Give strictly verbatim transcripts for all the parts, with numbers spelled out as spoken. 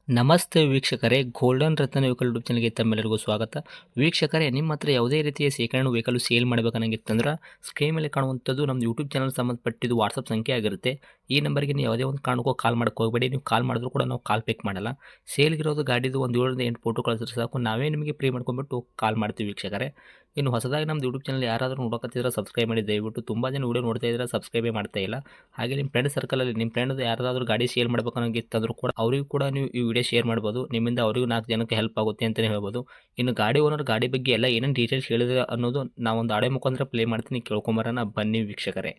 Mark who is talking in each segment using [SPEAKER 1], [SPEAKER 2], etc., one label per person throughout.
[SPEAKER 1] ನಮಸ್ತೆ ವೀಕ್ಷಕರೇ, ಗೋಲ್ಡನ್ ರತ್ನ vehicle YouTube ಚಾನಲ್ಗೆ ತಮ್ಮೆಲ್ಲರಿಗೂ ಸ್ವಾಗತ. ವೀಕ್ಷಕರೇ, ನಿಮ್ಮ ಹತ್ರ ಯಾವುದೇ ರೀತಿಯ ಶೇಖರಣೆ ವೆಹಿಕಲ್ ಸೇಲ್ ಮಾಡಬೇಕನ್ನಂಗಿತ್ತಂದ್ರೆ ಸ್ಕ್ರೀನ್ ಮೇಲೆ ಕಾಣುವಂಥದ್ದು ನಮ್ಮ ಯೂಟ್ಯೂಬ್ ಚಾನಲ್ ಸಂಬಂಧಪಟ್ಟಿದ್ದು ವಾಟ್ಸಪ್ ಸಂಖ್ಯೆ ಆಗಿರುತ್ತೆ. ಈ ನಂಬರ್ಗೆ ನೀವು ಯಾವುದೇ ಒಂದು ಕಾರಣಕ್ಕೂ ಕಾಲ್ ಮಾಡಕ್ಕೆ ಹೋಗಬೇಡಿ. ನೀವು ಕಾಲ್ ಮಾಡಿದ್ರು ಕೂಡ ನಾವು ಕಾಲ್ ಪಿಕ್ ಮಾಡಲ್ಲ. ಸೇಲ್ಗಿರೋದು ಗಾಡಿದು ಒಂದು ಏಳರಿಂದ ಎಂಟು ಫೋಟೋ ಕಳಿಸಿದ್ರೆ ಸಾಕು, ನಾವೇ ನಿಮಗೆ ಪ್ರೀ ಮಾಡ್ಕೊಂಡ್ಬಿಟ್ಟು ಕಾಲ್ ಮಾಡ್ತೀವಿ ವೀಕ್ಷಕರೇ. ಇನ್ನು ಹೊಸದಾಗಿ ನಮ್ಮದು ಯೂಟ್ಯೂಬ್ ಚಾನಲ್ ಯಾರಾದರೂ ನೋಡೋಕತ್ತಿದ್ರೆ ಸಬ್ಸ್ಕ್ರೈಬ್ ಮಾಡಿ ದಯವಿಟ್ಟು. ತುಂಬ ಜನ ವೀಡಿಯೋ ನೋಡ್ತಾ ಇದ್ದಾರೆ, ಸಬ್ಸ್ಕ್ರೈಬೇ ಮಾಡ್ತಾ ಇಲ್ಲ. ಹಾಗೆ ನಿಮ್ಮ ಫ್ರೆಂಡ್ ಸರ್ಕಲಲ್ಲಿ ನಿಮ್ಮ ಫ್ರೆಂಡ್ ಯಾರಾದರೂ ಗಾಡಿ ಸೇಲ್ ಮಾಡ್ಬೇಕನ್ನೋಂಗಿತ್ತಂದ್ರೂ ಕೂಡ ಅವರಿಗೂ ಕೂಡ ನೀವು ಈ ವಿಡಿಯೋ ಶೇರ್ ಮಾಡ್ಬೋದು. ನಿಮ್ಮಿಂದ ಅವರಿಗೂ ನಾಲ್ಕು ಜನಕ್ಕೆ ಹೆಲ್ಪ್ ಆಗುತ್ತೆ ಅಂತಲೇ ಹೇಳ್ಬೋದು. ಇನ್ನು ಗಾಡಿ ಓನರ್ ಗಾಡಿ ಬಗ್ಗೆ ಎಲ್ಲ ಏನೇನು ಡೀಟೇಲ್ಸ್ ಹೇಳಿದ್ರೆ ಅನ್ನೋದು ನಾವೊಂದು ಆಡೆ ಮುಖಾಂತರ ಪ್ಲೇ ಮಾಡ್ತೀನಿ, ಕೇಳ್ಕೊಂಬರೋಣ ಬನ್ನಿ ವೀಕ್ಷಕರೇ.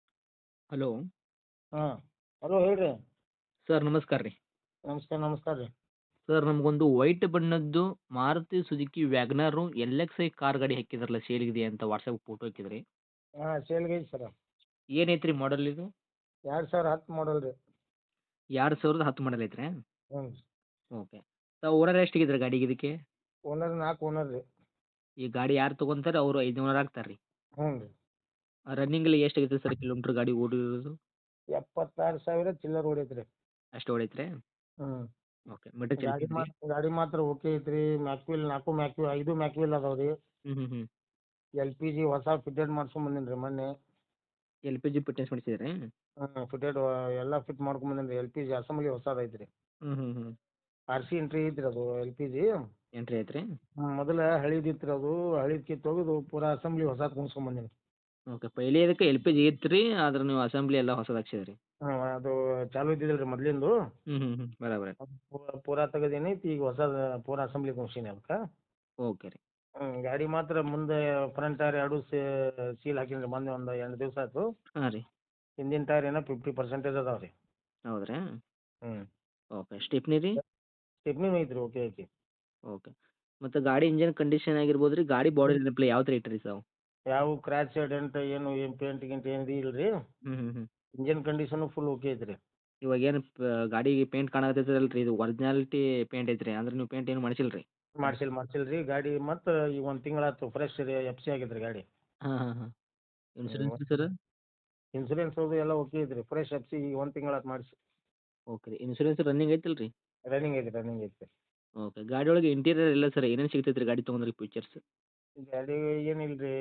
[SPEAKER 1] ಹಲೋ
[SPEAKER 2] ಹಾಂ ಹಲೋ ಹೇಳ್ರಿ.
[SPEAKER 1] ಸರ್, ನಮಸ್ಕಾರ ರೀ.
[SPEAKER 2] ನಮಸ್ಕಾರ ನಮಸ್ಕಾರ ರೀ.
[SPEAKER 1] ಸರ್, ನಮಗೊಂದು ವೈಟ್ ಬಣ್ಣದ್ದು Maruti Suzuki WagonR L X I car ಗಾಡಿ ಹಾಕಿದ್ರಲ್ಲ, ಸೇಲ್ಗಿದೆ ಅಂತ ವಾಟ್ಸಪ್ ಫೋಟೋ ಹಾಕಿದ್ರಿ.
[SPEAKER 2] ಹಾಂ ಸೇಲ್ಗೆ ಐತಿ ಸರ.
[SPEAKER 1] ಏನೈತ್ರಿ ಮಾಡಲ್ ಇದು?
[SPEAKER 2] ಎರಡು ಸಾವಿರ ಹತ್ತು ಮಾಡಲ್ ರೀ.
[SPEAKER 1] ಎರಡು ಸಾವಿರದ ಹತ್ತು ಮಾಡಲ್ ಐತ್ರಿ?
[SPEAKER 2] ಹ್ಞೂ
[SPEAKER 1] ಓಕೆ. ತಾವು ಓನರ್ ಎಷ್ಟಿಗಿದ್ರಿ ಗಾಡಿಗೆ ಇದಕ್ಕೆ?
[SPEAKER 2] ಓನರ್ ನಾಲ್ಕು ಓನರ್ ರೀ.
[SPEAKER 1] ಈ ಗಾಡಿ ಯಾರು ತೊಗೊಂತಾರೆ ಅವರು ಐದು ಓನರ್ ಆಗ್ತಾರೆ ರೀ.
[SPEAKER 2] ಹ್ಞೂ ರೀ.
[SPEAKER 1] ರನ್ನಿಂಗಲ್ಲಿ ಎಷ್ಟಾಗೈತೆ ಸರ್ ಕಿಲೋಮೀಟ್ರ್ ಗಾಡಿ ಓಡಿರೋದು?
[SPEAKER 2] ಎಪ್ಪತ್ತಾರು ಸಾವಿರ ಚಿಲ್ಲರ್ ಹೊಡೈತೆ ರೀ.
[SPEAKER 1] ಅಷ್ಟು ಹೊಡೈತ್ರಿ?
[SPEAKER 2] ಹ್ಞೂ
[SPEAKER 1] ಓಕೆ. ಮೀಟರ್
[SPEAKER 2] ಗಾಡಿ
[SPEAKER 1] ಚಲಿಸಿದ್ರಿ?
[SPEAKER 2] ಮಾತ್ರ ಗಾಡಿ ಮಾತ್ರ ಓಕೆ ಐತ್ರಿ. ಮ್ಯಾಕ್ವಿಲ್ ನಾಲ್ಕು ಮ್ಯಾಕ್ವಿ ಐದು ಮ್ಯಾಕ್ವಿಲ್ ಅದಾವೆ ರೀ.
[SPEAKER 1] ಹ್ಞೂ ಹ್ಞೂ ಹ್ಞೂ
[SPEAKER 2] ಎಲ್ ಪಿ ಜಿ ಹೊಸ ಫಿಟೆಡ್ ಮಾಡ್ಸ್ಕೊಂಬಂದಿನಿ ರೀ ಮೊನ್ನೆ.
[SPEAKER 1] ಎಲ್ ಪಿ ಜಿ ಫಿಟ್ನೆಸ್ ಮಾಡಿಸಿದ್ರಿ?
[SPEAKER 2] ಹ್ಞೂ ಫಿಟೆಡ್ ಎಲ್ಲ ಫಿಟ್ ಮಾಡ್ಕೊಂಬಂದಿನಿ ರೀ. ಎಲ್ ಪಿ ಜಿ ಅಸೆಂಬ್ಲಿ ಹೊಸದು ಐತ್ರಿ.
[SPEAKER 1] ಹ್ಞೂ ಹ್ಞೂ ಹ್ಞೂ
[SPEAKER 2] ಆರ್ ಸಿ ಎಂಟ್ರಿ ಐತ್ರಿ ಅದು ಎಲ್ ಪಿ ಜಿ.
[SPEAKER 1] ಎಂಟ್ರಿ ಐತ್ರಿ?
[SPEAKER 2] ಹ್ಞೂ ಮೊದಲು ಹಳಿದಿತ್ತು ರೀ, ಅದು ಹಳಿದ್ ಕಿತ್ತು ತೆಗೆದು ಪೂರಾ ಅಸೆಂಬ್ಲಿ ಹೊಸದು ಕುಣಿಸ್ಕೊಂಬಂದಿನಿ.
[SPEAKER 1] ಓಕೆ. ಪೈಲೆ ಇದಕ್ಕೆ ಎಲ್ ಪಿ ಜಿ ಇತ್ತು ರೀ, ಆದ್ರೆ ನೀವು ಅಸೆಂಬ್ಲಿ ಎಲ್ಲ ಹೊಸದು ಹಾಕ್ಸಿದ್ರಿ?
[SPEAKER 2] ಹ್ಞೂ ಅದು ಚಾಲು ಇದ್ದಿದ್ದಿಲ್ಲ ರೀ ಮೊದಲಿಂದು.
[SPEAKER 1] ಹ್ಞೂ ಹ್ಞೂ ಹ್ಞೂ ಬರಾಬರಿ.
[SPEAKER 2] ಪೂರಾ ಪೂರಾ ತೆಗೆದೀನಿ, ಈಗ ಹೊಸದು ಪೂರಾ ಅಸೆಂಬ್ಲಿ ಕುಣ್ಸೀನಿ ಅದಕ್ಕೆ.
[SPEAKER 1] ಓಕೆ ರೀ.
[SPEAKER 2] ಹ್ಞೂ ಗಾಡಿ ಮಾತ್ರ ಮುಂದೆ ಫ್ರಂಟ್ ಟೈರ್ ಎರಡು ಸೀಲ್ ಹಾಕೀನಿ ರೀ ಮೊನ್ನೆ ಒಂದು ಎಂಟು ದಿವಸ ಆಯ್ತು.
[SPEAKER 1] ಹಾಂ ರೀ.
[SPEAKER 2] ಹಿಂದಿನ ಟೈರ್ ಏನೋ ಫಿಫ್ಟಿ ಪರ್ಸೆಂಟೇಜ್ ಅದಾವೆ ರೀ.
[SPEAKER 1] ಹೌದ್ರಾ?
[SPEAKER 2] ಹ್ಞೂ
[SPEAKER 1] ಓಕೆ. ಸ್ಟಿಪ್ನಿ ರೀ?
[SPEAKER 2] ಸ್ಟೆಪ್ನಿನೂ ಐತ್ರಿ, ಓಕೆ ಐತಿ.
[SPEAKER 1] ಓಕೆ. ಮತ್ತು ಗಾಡಿ ಇಂಜಿನ್ ಕಂಡೀಷನ್ ಆಗಿರ್ಬೋದು ರೀ, ಗಾಡಿ ಬಾಡಿ ರಿಪ್ಲೇ ಯಾವ ಥರ ಇಟ್ಟಿರಿ ತಾವು?
[SPEAKER 2] ಯಾವ ಕ್ರ್ಯಾಚ್ ಡೆಂಟ್ ಏನು ಏನು ಪೇಂಟ್ ಗಿಂಟ್ ಏನು ಇಲ್ಲ ರೀ.
[SPEAKER 1] ಹ್ಞೂ ಹ್ಞೂ ಹ್ಞೂ
[SPEAKER 2] ಇಂಜಿನ್ ಕಂಡೀಷನು ಫುಲ್ ಓಕೆ ಐತ್ರಿ.
[SPEAKER 1] ಇವಾಗೇನು ಪ ಗಾಡಿಗೆ ಪೇಂಟ್ ಕಾಣಕತ್ತೈತಲ್ಲ ರೀ, ಇದು ಒರಿಜಿನಾಲಿಟಿ ಪೇಂಟ್ ಐತ್ರಿ, ಅಂದ್ರೆ ನೀವು ಪೇಂಟ್ ಏನು ಮಾಡಿಸಿಲ್ಲ ರೀ?
[SPEAKER 2] ಮಾಡ್ಸಿಲ್ಲ ಮಾಡ್ಸಿಲ್ಲ ರೀ. ಗಾಡಿ ಮತ್ತು ಈಗ ಒಂದು ತಿಂಗಳಾಯ್ತು ಫ್ರೆಶ್ ರೀ, ಎಫ್ ಸಿ ಆಗೈತೆ ರೀ ಗಾಡಿ.
[SPEAKER 1] ಹಾಂ ಹಾಂ ಹಾಂ
[SPEAKER 2] ಹ್ಞೂ
[SPEAKER 1] ಇನ್ಶೂರೆನ್ಸ್ ರೀ ಸರ್?
[SPEAKER 2] ಇನ್ಸೂರೆನ್ಸ್ ಅದು ಎಲ್ಲ ಓಕೆ ಐತ್ರಿ. ಫ್ರೆಶ್ ಎಫ್ ಸಿ ಈಗ ಒಂದು ತಿಂಗಳಾಯ್ತು ಮಾಡಿಸಿ.
[SPEAKER 1] ಓಕೆ ರೀ. ಇನ್ಶೂರೆನ್ಸ್ ರನ್ನಿಂಗ್ ಐತಲ್ಲ ರೀ?
[SPEAKER 2] ರನ್ನಿಂಗ್ ಐತಿ ರನ್ನಿಂಗ್ ಐತಿ.
[SPEAKER 1] ಓಕೆ. ಗಾಡಿ ಒಳಗೆ ಇಂಟೀರಿಯರ್ ಎಲ್ಲ ಸರ್ ಏನೇನು ಸಿಗ್ತೈತೆ ರೀ ಗಾಡಿ ತೊಗೊಂಡ್ರೆ ಫೀಚರ್ಸ್?
[SPEAKER 2] ಗಾಡಿ ಏನಿಲ್ಲ ರೀ,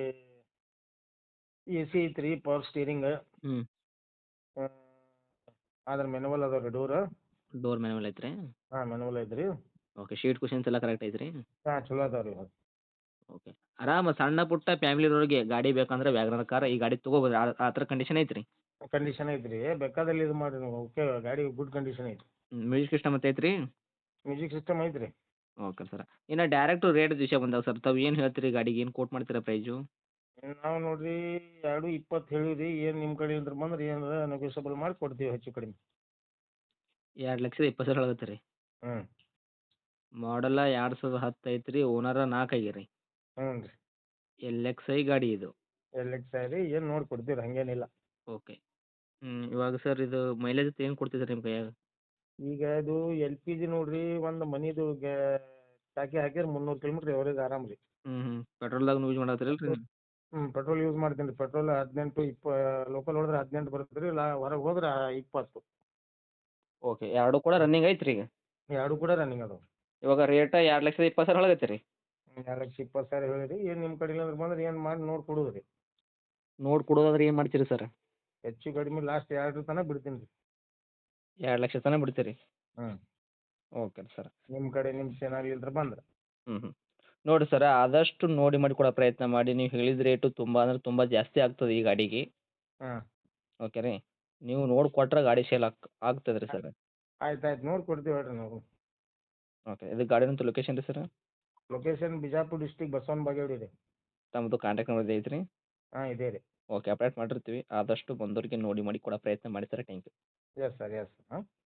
[SPEAKER 2] ಎ ಸಿ ಐತ್ರಿ, ಪವರ್ ಸ್ಟೀರಿಂಗ್,
[SPEAKER 1] ಹ್ಞೂ
[SPEAKER 2] ಅದ್ರ ಮೆನುವಲ್ ಅದಾವೆ ರೀ ಡೋರ್.
[SPEAKER 1] ಡೋರ್ ಮ್ಯಾನುವಲ್ ಐತ್ರಿ?
[SPEAKER 2] ಹಾಂ ಮೆನುವಲ್ ಐತ್ರಿ.
[SPEAKER 1] ಓಕೆ. ಶೀಟ್ ಕುಷನ್ಸ್ ಎಲ್ಲ ಕರೆಕ್ಟ್ ಐತ್ರಿ?
[SPEAKER 2] ಹಾಂ ಚಲೋ ಅದಾವೆ ರೀ.
[SPEAKER 1] ಓಕೆ. ಆರಾಮ ಸಣ್ಣ ಪುಟ್ಟ ಫ್ಯಾಮಿಲಿಯವ್ರಿಗೆ ಗಾಡಿ ಬೇಕಂದ್ರೆ ವ್ಯಾಗನರ್ ಕಾರ್ ಈ ಗಾಡಿ ತೊಗೋಬೋದು, ಆ ಆ ಥರ ಕಂಡೀಷನ್ ಐತ್ರಿ?
[SPEAKER 2] ಕಂಡೀಷನ್ ಐತ್ರಿ, ಬೇಕಾದಲ್ಲಿ ಇದು ಮಾಡಿರಿ ನೀವು. ಓಕೆ ಗಾಡಿ ಗುಡ್ ಕಂಡೀಷನ್ ಐತಿ.
[SPEAKER 1] ಮ್ಯೂಸಿಕ್ ಸಿಸ್ಟಮ್ ಮತ್ತೆ ಐತ್ರಿ?
[SPEAKER 2] ಮ್ಯೂಸಿಕ್ ಸಿಸ್ಟಮ್ ಐತ್ರಿ.
[SPEAKER 1] Okay sir. ಇನ್ನು ಡೈರೆಕ್ಟು ರೇಟ್ ವಿಷಯ ಬಂದಾಗ ಸರ್, ತಾವು ಏನು ಹೇಳ್ತೀರಿ ಗಾಡಿಗೆ, ಏನು ಕೋಟ್ ಮಾಡ್ತೀರಾ ಪ್ರೈಸು?
[SPEAKER 2] ನಾವು ನೋಡಿರಿ ಎರಡು ಇಪ್ಪತ್ತು ಹೇಳಿರಿ. ಏನು ನಿಮ್ಮ ಕಡೆಯಿಂದ ಬಂದ್ರೆ ಏನಾರ ನೆಗೋಷಿಯಬಲ್ ಮಾಡಿ ಕೊಡ್ತೀವಿ ಹೆಚ್ಚು ಕಡಿಮೆ.
[SPEAKER 1] ಎರಡು ಲಕ್ಷದ ಇಪ್ಪತ್ತು ಸಾವಿರ ಆಗತ್ತೆ ರೀ?
[SPEAKER 2] ಹ್ಞೂ
[SPEAKER 1] ಮಾಡಲ್ಲ ಎರಡು ಸಾವಿರದ ಹತ್ತು ಐತ್ರಿ, ಓನರ ನಾಲ್ಕು ಆಗ್ಯಾರಿ.
[SPEAKER 2] ಹ್ಞೂ ರೀ.
[SPEAKER 1] ಎಲ್ ಎಕ್ಸ್ ಐ ಗಾಡಿ ಇದು?
[SPEAKER 2] ಎಲ್ ಎಕ್ಸ್ ಐ ರೀ, ಏನು ನೋಡಿ ಕೊಡ್ತೀವಿ ರೀ, ಹಾಗೇನಿಲ್ಲ.
[SPEAKER 1] ಓಕೆ. ಹ್ಞೂ ಇವಾಗ ಸರ್ ಇದು ಮೈಲೇಜ್ ಏನು ಕೊಡ್ತೈತೆ ನಿಮ್ಮ ಕೈಯಾಗ?
[SPEAKER 2] ಈಗ ಇದು ಎಲ್ ಪಿ ಜಿ ನೋಡಿರಿ, ಒಂದು ಮನಿದು ಗ್ಯಾ ಟಾಕಿ ಹಾಕಿದ್ರೆ ಮುನ್ನೂರು ಕಿಲೋಮೀಟ್ರ್ ಎವರೇಜ್ ಆರಾಮ್ ರೀ.
[SPEAKER 1] ಹ್ಞೂ ಹ್ಞೂ ಪೆಟ್ರೋಲ್ದಾಗ ಯೂಸ್ ಮಾಡತ್ತೀರಲ್ಲ ರೀ?
[SPEAKER 2] ಹ್ಞೂ ಪೆಟ್ರೋಲ್ ಯೂಸ್ ಮಾಡ್ತೀನಿ ರೀ. ಪೆಟ್ರೋಲ್ ಹದಿನೆಂಟು ಇಪ್ಪ ಲೋಕಲ್ ಹೊಡೆದ್ರೆ ಹದಿನೆಂಟು ಬರುತ್ತೆ ರೀ, ಲಾ ಹೊರಗೆ ಹೋದ್ರೆ ಇಪ್ಪತ್ತು.
[SPEAKER 1] ಓಕೆ. ಎರಡು ಕೂಡ ರನ್ನಿಂಗ್ ಐತ್ರಿ ಈಗ?
[SPEAKER 2] ಎರಡು ಕೂಡ ರನ್ನಿಂಗ್ ಅದಾವೆ.
[SPEAKER 1] ಇವಾಗ ರೇಟ ಎರಡು ಲಕ್ಷದ ಇಪ್ಪತ್ತು ಸಾವಿರ ಒಳಗೈತೆ ರೀ?
[SPEAKER 2] ಎರಡು ಲಕ್ಷ ಇಪ್ಪತ್ತು ಸಾವಿರ ಹೇಳಿರಿ. ಏನು ನಿಮ್ಮ ಕಡೆಯಿಂದ ಬಂದ್ರೆ ಏನು ಮಾಡಿ ನೋಡಿ ಕೊಡೋದು ರೀ.
[SPEAKER 1] ನೋಡಿ ಕೊಡೋದಾದ್ರೆ ಏನು ಮಾಡ್ತೀರಿ ಸರ್?
[SPEAKER 2] ಹೆಚ್ಚು ಕಡಿಮೆ ಲಾಸ್ಟ್ ಎರಡರ ತನಕ ಬಿಡ್ತೀನಿ ರೀ.
[SPEAKER 1] ಎರಡು ಲಕ್ಷ ತನಕ ಬಿಡ್ತೀರಿ?
[SPEAKER 2] ಹ್ಞೂ
[SPEAKER 1] ಓಕೆ ಸರ್.
[SPEAKER 2] ನಿಮ್ಮ ಕಡೆ ನಿಮ್ಮ ಚಾನಲಿಂದ ಬಂದ್ರೆ.
[SPEAKER 1] ಹ್ಞೂ ಹ್ಞೂ ನೋಡಿ ಸರ, ಆದಷ್ಟು ನೋಡಿ ಮಾಡಿ ಕೊಡೋ ಪ್ರಯತ್ನ ಮಾಡಿ. ನೀವು ಹೇಳಿದ ರೇಟು ತುಂಬ ಅಂದ್ರೆ ತುಂಬ ಜಾಸ್ತಿ ಆಗ್ತದೆ ಈ ಗಾಡಿಗೆ.
[SPEAKER 2] ಹಾಂ
[SPEAKER 1] ಓಕೆ ರೀ. ನೀವು ನೋಡಿ ಕೊಟ್ರೆ ಗಾಡಿ ಸೇಲ್ ಆಗ್ ಆಗ್ತದೆ ರೀ ಸರ್.
[SPEAKER 2] ಆಯ್ತು ಆಯ್ತು ನೋಡಿ ಕೊಡ್ತೀವಿ ಹೇಳ್ರಿ ನಾವು.
[SPEAKER 1] ಓಕೆ. ಇದು ಗಾಡಿನಂತ ಲೊಕೇಶನ್ ರೀ sir?
[SPEAKER 2] Location Bijapur district Basavana Bagewadi ರೀ.
[SPEAKER 1] ತಮ್ಮದು ಕಾಂಟ್ಯಾಕ್ಟ್ ನಂಬರ್ ಐತ್ರಿ?
[SPEAKER 2] ಹಾಂ ಇದೆ ರೀ.
[SPEAKER 1] ಓಕೆ. ಅಪ್ಡೇಟ್ ಮಾಡಿರ್ತೀವಿ. ಆದಷ್ಟು ಬಂದೋರಿಗೆ ನೋಡಿ ಮಾಡಿ ಕೊಡೋ ಪ್ರಯತ್ನ ಮಾಡಿ sir. Thank you.
[SPEAKER 2] Yes sir yes ಹಾಂ